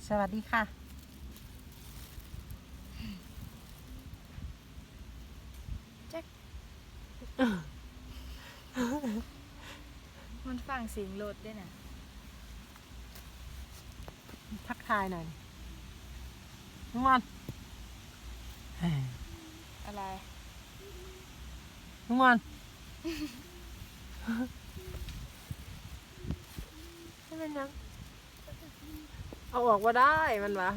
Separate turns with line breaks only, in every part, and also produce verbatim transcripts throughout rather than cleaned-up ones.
สวัสดีค่ะ
มันฟังเสียงรถด้วยนะ
ทักทายหน่อยน้องวัน
อะไร
น้องวันไม่เป็นยังเอาออกมาได้มันวะ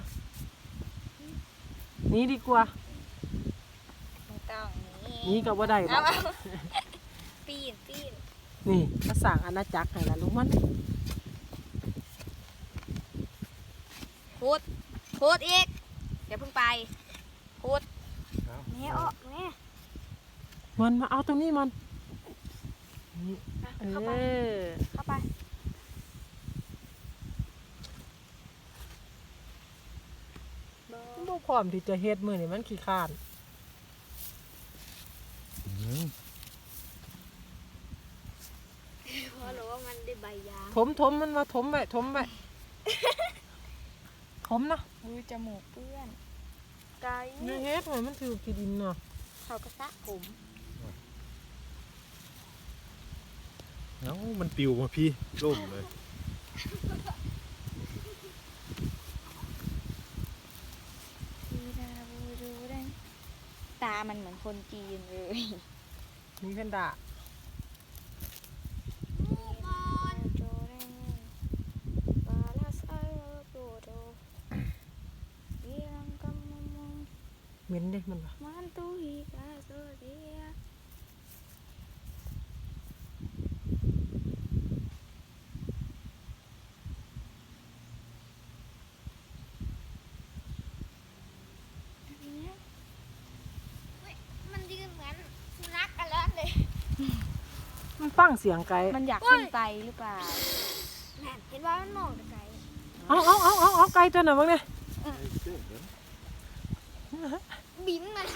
นี่ดีกว่า
ไม่ต้องนี่
นี่ก็ว่าได้หรอก
ปีนปีน
นี่ภาษาอาณาจักรไหนล่ะลุงมัน
พูดพูดอีกเดี๋ยวเพิ่งไปพูดแม่ออกแม่
มันมาเอาตรงนี้มันนี่เอ
เข้าไป
อ
เข้าไป
บ่พร้อมที่จะเฮ็ดมือนี่มันขี้ข้าน
เพราะรู้ว่ามันได้ใบยาง
ถมถมมันมาถมไปถมไปถมนะ
มือจมูกเปื้อนไกล
นี่เฮ็ดให้มันถือกี่ดินเนาะ
เขากระซะผม
เอ้ามันปิวมาพี่ล่มเลย
ดูดาบูดูได้ตามันเหมือนคนจีนเลย
มีเพนด้า เหม็นเด้มันวะ
Mantu hika sodia
มันยืนเหมือนสุนัขกันแล้วเลย
มันฟังเสียงไกล
มันอยากขึ้นไปหรือเปล่า
แม่เห็นว่ามันมองแต่ไกล
เอาเอาเอาเอาเอาไกลตัวหน่อยบ้างเนี่ย
บินมัน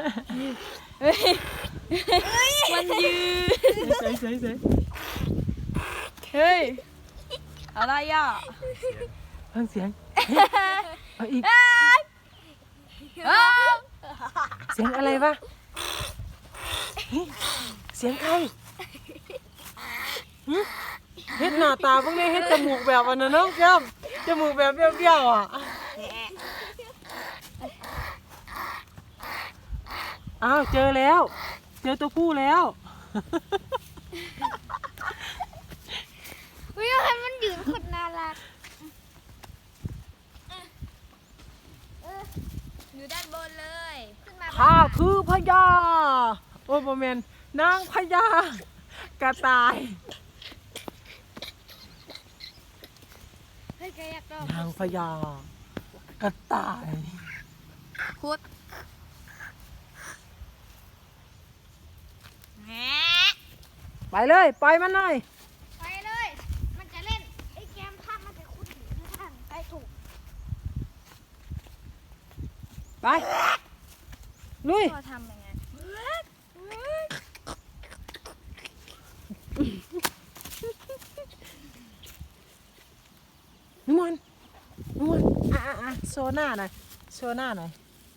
มันยืน
ใส่ใส่ใส่
เฮ้ย อะไรอ่ะ
ฟังเสียงเอาอีกเสียงอะไรวะเสียงใครหึเฮ็ดหน้าตาพวกนี้เฮ็ดจมูกแบบอันนั้นน้องแก้มจมูกแบบเบี้ยวๆอ่ะอ้าวเจอแล้ว เจอตัวผู้แล้ว
วิวให้มันยืนโคตรน่ารักอยู่ด้านบนเลยขึ้นมา
ข้าคือพญาโอ้ยโมเมนนางพญากระต่าย
เฮ้ยแกอยากลอง
นางพญากระต่าย
คุด
แหม
ไปเลยปล่อยมันหน่อย
ไปเลย มันจะเล่นไอ้แกมภาพมันจะคุ้นถึงข้างไปถูก
ไปลุย
พ่อทำยังไง
นุ่มนนุ่มนอ่ะอ่ะอ่ะโชว์หน้าหน่อยโชว์หน้าหน่อย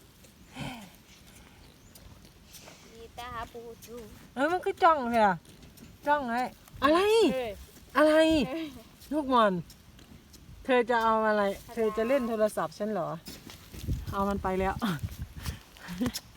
กีตาร์ปูจู
เอ้ยมันคือจ้องเลยอะจ้องไงอะไร
เฮ้ย
อะไรลูกมอนเธอจะเอาอะไร เธอจะเล่นโทรศัพท์ฉันเหรอเอามันไปแล้ว